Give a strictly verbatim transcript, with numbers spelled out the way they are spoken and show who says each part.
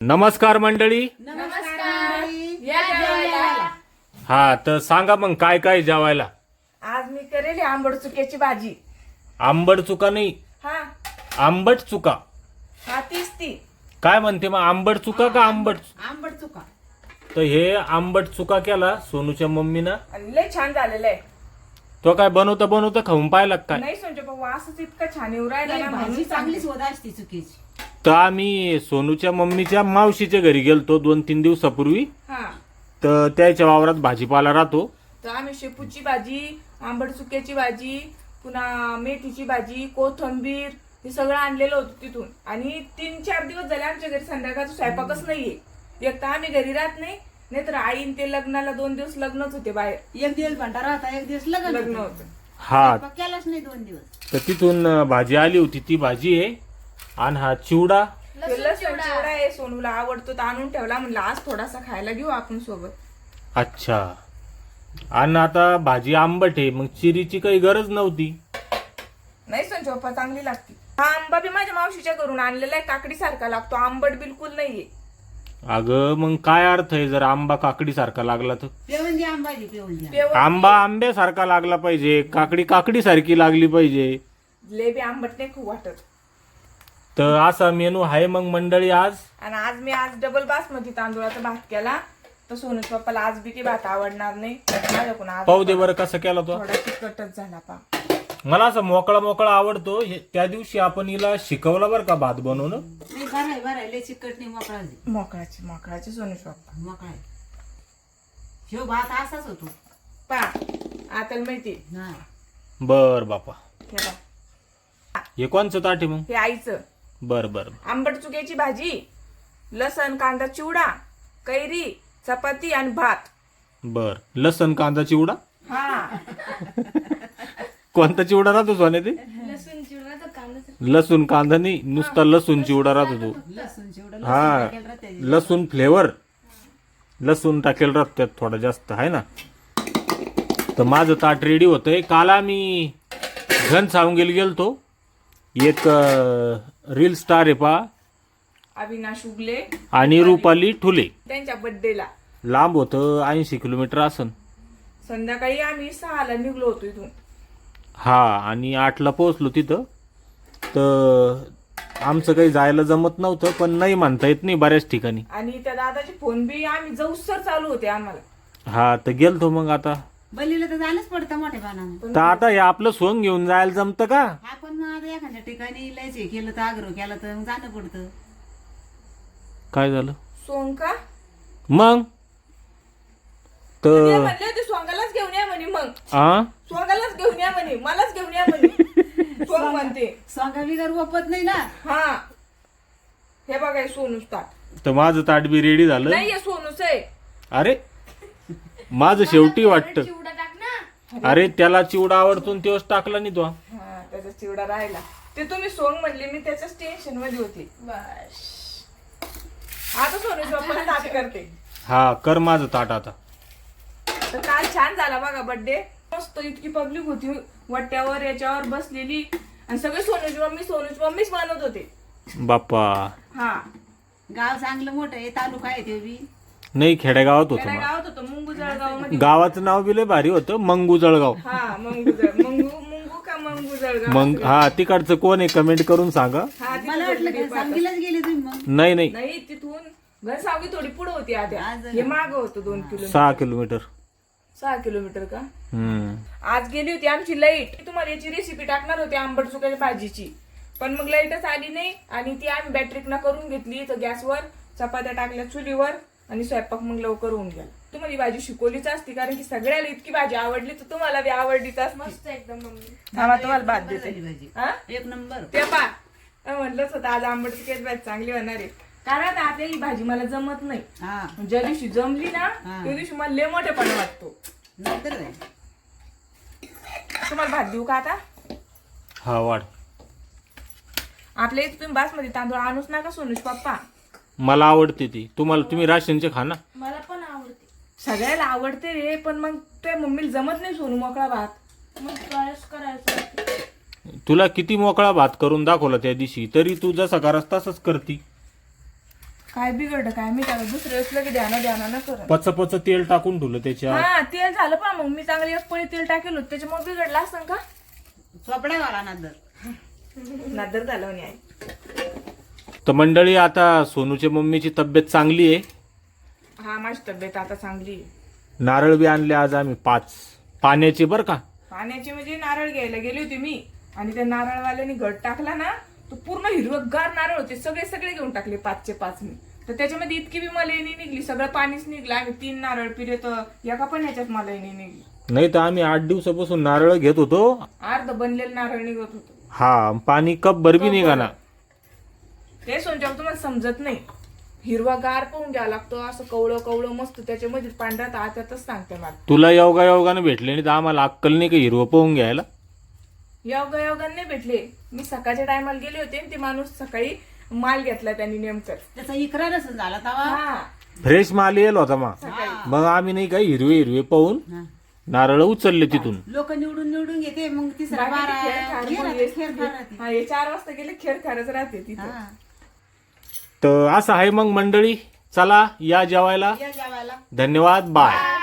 Speaker 1: नमस्कार मंडळी.
Speaker 2: नमस्कार. या जेवायला.
Speaker 1: हा तर सांगा मग काय काय जेवायला.
Speaker 2: आज मी करेल आंबट चुक्याची भाजी.
Speaker 1: आंबट चुका नाही,
Speaker 2: हा
Speaker 1: आंबट चुका.
Speaker 2: हा तीच ती.
Speaker 1: काय म्हणते मग, आंबट चुका का आंबट?
Speaker 2: आंबट चुका.
Speaker 1: तर हे आंबट चुका केला सोनूच्या मम्मीनं.
Speaker 2: आणि लय छान झालेलं आहे.
Speaker 1: तो काय बनवता बनवता खाऊन पाहिला काय?
Speaker 2: नाही सोनचे पण वासच इतका छान येऊ राहिला ना,
Speaker 3: भाजी
Speaker 2: म्हणून
Speaker 3: चांगली
Speaker 2: सांगते.
Speaker 3: सोदा असते चुकीची.
Speaker 1: तर आम्ही सोनूच्या मम्मीच्या मावशीच्या घरी गेलतो दोन तीन दिवसापूर्वी.
Speaker 2: हा
Speaker 1: तर त्याच्या वावरात भाजीपाला राहतो.
Speaker 2: तर आम्ही शेपूची भाजी, आंबट चुक्याची भाजी, पुन्हा मेथीची भाजी, कोथिंबीर हे सगळं आणलेलं होतं तिथून. आणि तीन चार दिवस झाले आमच्या घरी संध्याकाळचा स्वयंपाकच नाहीये. एक तर आम्ही घरी राहत नाही, नाहीतर आईन ते लग्नाला दोन दिवस लग्नच होते बाहेर.
Speaker 3: एक दिवस भंडारा होता, एक दिवस लग्न
Speaker 2: लग्न
Speaker 3: होतं.
Speaker 2: होतं.
Speaker 1: हा
Speaker 3: स्वयंपाक केलाच नाही दोन दिवस.
Speaker 1: तर तिथून अं, भाजी आली होती, ती भाजी आहे. आणि हा चिवडा.
Speaker 2: ते लसूण चिवडा आहे, सोनूला आवडतो तर आणून ठेवला. म्हणलं आज थोडासा खायला घेऊ आपण सोबत.
Speaker 1: अच्छा. आणि आता भाजी आंबट आहे, मग चिरीची काही गरज नव्हती.
Speaker 2: नाही संजय पप्पा चांगली लागते. हा आंबा बी माझ्या मावशीच्या घरून आणलेला आहे, काकडी सारखा लागतो, आंबट बिलकुल नाहीये.
Speaker 1: अगं मग काय अर्थ आहे जर आंबा काकडी सारखा लागला तर?
Speaker 3: पेवून द्या आंबाजी, पेवून द्या.
Speaker 2: पेवर
Speaker 1: आंबा आंब्यासारखा लागला पाहिजे, काकडी काकडी सारखी लागली पाहिजे.
Speaker 2: लय बी आंबट नाही खूप वाटत.
Speaker 1: तर असा मेनू आहे मग मंडळी आज.
Speaker 2: आणि आज मी आज डबल बासमती तांदूळाचा भात केला. तर सोनूच पप्पाला आज बी ते भात आवडणार नाही. माझ्याकडून आज
Speaker 1: पाहू दे बरं कसा केला तो.
Speaker 2: थोडा तिखटच झाला पा.
Speaker 1: मला असं मोकळा मोकळा आवडतो. हे- त्या दिवशी आपण हिला शिकवला बरं का भात बनवणं.
Speaker 3: नाही भराय भराय लय चिकट नाही, मोकळा दे.
Speaker 2: मोकळाची मोकळाची सोनूच पप्पा
Speaker 3: मोकळा आहे. ह्यो भात असाच होतो.
Speaker 2: पा आता माहिती
Speaker 3: हा.
Speaker 1: बर बापा.
Speaker 2: हे बघ,
Speaker 1: हे कोणचं ताट आहे मग?
Speaker 2: हे आईचं
Speaker 1: बर बर
Speaker 2: आंबट चुक्याची भाजी, लसण कांदा चिवडा, कैरी, चपाती आणि भात.
Speaker 1: बर. लसण कांदा चिवडा.
Speaker 2: हा
Speaker 1: कोणता चिवडा राहतो सोने ते?
Speaker 2: लसूण चिवडा तर कांदा.
Speaker 1: लसूण कांदा नाही, नुसता लसूण चिवडा राहतो तो.
Speaker 3: लसूण चिवडा
Speaker 1: हा
Speaker 3: टाकेल राहते.
Speaker 1: लसूण फ्लेवर. लसूण टाकेल राहत त्यात थोडा जास्त आहे ना. तर माझं ताट रेडी होतंय. काल आम्ही घन सावंगीला गेलतो. एक रील स्टार आहे पा
Speaker 2: अविनाश उगले
Speaker 1: आणि रुपाली ठुले.
Speaker 2: त्यांच्या बर्थडेला
Speaker 1: लांब होतं, ऐंशी किलोमीटर असन.
Speaker 2: संध्याकाळी आम्ही सहाला निघलो होतो इथून.
Speaker 1: हा आणि आठला पोहोचलो तिथं. तर आमचं काही जायला जमत नव्हतं, पण नाही म्हणता येत नाही बऱ्याच ठिकाणी.
Speaker 2: आणि त्या दादाचे फोन बी आम्ही जाऊसर चालू होते आम्हाला.
Speaker 1: हा तर गेलतो मग आता.
Speaker 3: बलीला तर जाणंच पडतं मोठ्या पानानं.
Speaker 2: पण
Speaker 1: तर आता हे आपलं सोंग घेऊन जायला जमतं का?
Speaker 3: हा पण मग आता एखाद्या ठिकाणी लयच हे केलं तर आग्रह केला तर मग जाणं पडतं.
Speaker 1: काय झालं
Speaker 2: सोंग का
Speaker 1: मग?
Speaker 2: ते
Speaker 1: तर
Speaker 2: म्हणले होते सोंगालाच घेऊन या म्हणे. मग
Speaker 1: आ
Speaker 2: सोंगालाच घेऊन या म्हणे, मलाच घेऊन या म्हणे. सोंग म्हणते.
Speaker 3: स्वांगा बिगर वपत नाही ना.
Speaker 2: हा हे बघा सोनूच ताट.
Speaker 1: तर माझं ताट बी रेडी झालं.
Speaker 2: नाहीये सोनूच आहे.
Speaker 1: अरे माझं शेवटी वाटतं. अरे त्याला चिवडा आवडतो आणि तोच टाकला नाही तो.
Speaker 2: हा त्याचा चिवडा राहिला. ते तुम्ही सोंग म्हणले, मी त्याच्याच टेन्शन मध्ये होते. बस आता सोनूच पप्पा ताट करते.
Speaker 1: हा कर माझं ताट आता.
Speaker 2: तर काल छान झाला बघा बर्थडे. मस्त इतकी पब्लिक होती वट्यावर याच्यावर बसलेली. आणि सगळे सोनूची मम्मी सोनूची मम्मीच बनवत होते.
Speaker 1: बाप्पा.
Speaker 2: हा
Speaker 3: गाव चांगलं मोठं आहे, तालुका आहे ते बी.
Speaker 1: नाही खेडेगावात होतं
Speaker 2: खेड्या
Speaker 1: मग.
Speaker 2: गावात होतं, मुंगू जळगाव मध्ये.
Speaker 1: गावाचं नाव बी लय भारी होतं, मंगू जळगाव.
Speaker 2: हा मंगू जळ मुंगू मुंगू का मंगू जळगाव.
Speaker 1: मग हा तिकडचं कोण आहे कमेंट करून सांगा.
Speaker 2: हा तिथं
Speaker 3: मला वाटलं
Speaker 2: बर्थडे
Speaker 3: का सांगलीलाच गेले तुम्ही मग.
Speaker 1: नाही नाही,
Speaker 2: नाही तिथून घनसावगी थोडी पुढे होती आद्या.
Speaker 3: आज-
Speaker 2: हे माग होतं दोन किलोमीटर.
Speaker 1: सहा किलोमीटर.
Speaker 2: सहा किलोमीटर का.
Speaker 1: हम्म.
Speaker 2: आज गेली होती आमची लाईट. तुम्हाला याची रेसिपी टाकणार होती आंबट चुक्याच्या भाजीची, पण मग लाईटच आली नाही. आणि ती आम्ही बॅटरीकना करून घेतली. तर गॅसवर चपात्या टाकल्या चुलीवर आणि स्वयंपाक मग लवकर होऊन गेला. तुम्हाला ही भाजी शिकवलीच असती, कारण की सगळ्याला इतकी भाजी आवडली तर तुम्हाला बी आवडलीच असती. मस्त एकदम मम्मी. थांबा तुम्हाला भात देते.
Speaker 3: भाजी
Speaker 2: हा
Speaker 3: एक नंबर.
Speaker 2: ते पा म्हटलंच होतं आज आंबट चुक्याची भाजी चांगली होणार आहे. कारण आता ही भाजी मला जमत नाही.
Speaker 3: हा
Speaker 2: ज्या दिवशी जमली ना
Speaker 3: हा.
Speaker 2: त्या दिवशी मला लय मोठेपणा वाटतो.
Speaker 3: नंतर काय?
Speaker 2: तुम्हाला भात देऊ का आता?
Speaker 1: हा वाढ.
Speaker 2: आपल्या इथे तुम्ही बासमती तांदूळ आणूच नका सोनूज पप्पा.
Speaker 1: मला आवडते ती. तुम्हाला तुम्ही राशनचे खा ना.
Speaker 2: मला पण आवडते. सगळ्याला आवडते रे, पण मग तुझ्या मम्मीला जमत नाही सोनू मोकळा भात. मग प्रयास करायचा.
Speaker 1: तुला किती मोकळा भात करून दाखवला त्या दिवशी, तरी तू जसा करास तसंच करती.
Speaker 2: काय बिघडलं काय मी त्याला दुसऱ्या वेळेस लगे ध्याना ध्याना न करत.
Speaker 1: पच पच तेल टाकून ठेवलं त्याच्यात.
Speaker 2: हा तेल झालं पा मग मी चांगली एक पळी तेल टाकेल होतं त्याच्यामुळे बिघडलं असं का
Speaker 3: चोपड्या वाला नंतर
Speaker 2: नादर झालं नाही आई.
Speaker 1: तर मंडळी आता सोनूच्या मम्मीची तब्येत चांगली आहे.
Speaker 2: हा माझी तब्येत आता चांगली आहे.
Speaker 1: नारळ बी आणले आज आम्ही पाच पाण्याचे बर का.
Speaker 2: पाण्याचे म्हणजे नारळ घ्यायला गेली होती मी आणि त्या नारळवाल्याने घट टाकला ना तो पूर्ण हिरवगार नारळ होते सगळे सगळे घेऊन टाकले पाचचे पाच मी. तर त्याच्यामध्ये इतकी बी मलईनी निघली सगळं पाणीच निघलं. आम्ही तीन नारळ पिले तर एका पण ह्याच्यात मलईनी निघली.
Speaker 1: नाही तर आम्ही आठ दिवसापासून नारळ घेत होतो.
Speaker 2: अर्ध बनलेलं नारळ निघत होतं.
Speaker 1: हा पाणी कप भर बी निघाना.
Speaker 2: ते सोनच्या तुम्हाला समजत नाही. हिरवागार पाहून घ्यावा लागतो असं कवळं कवळं मस्त त्याच्यामध्ये पांढरा तर आतातच सांगते मला.
Speaker 1: तुला योगा योगाने भेटले नाही तर आम्हाला अक्कल नाही का हिरवं पाहून घ्यायला.
Speaker 2: योगा योगाने नाही भेटले. मी सकाळच्या टायमाला गेले होते आणि ते माणूस सकाळी माल घेतला त्यांनी नेमकं.
Speaker 3: त्याचा इकरारच झाला तवा.
Speaker 2: हा
Speaker 1: फ्रेश माल येईल होता मग. मग आम्ही नाही काय हिरवे हिरवे पाहून
Speaker 3: हा.
Speaker 1: नारळ उचलले तिथून.
Speaker 3: लोक निवडून निवडून घेते मग तिसरा
Speaker 2: बाकी
Speaker 3: बारा
Speaker 2: खेळ खार
Speaker 3: खेळ
Speaker 2: मग
Speaker 3: राहते,
Speaker 2: हे-
Speaker 3: खेळ फार राहते.
Speaker 2: हा हे चार वाजता गेले खेळ खारच राहते तिथे.
Speaker 3: हा.
Speaker 1: तर असं आहे मग मंडळी. चला या जेवायला.
Speaker 3: या जेवायला.
Speaker 1: धन्यवाद बाय.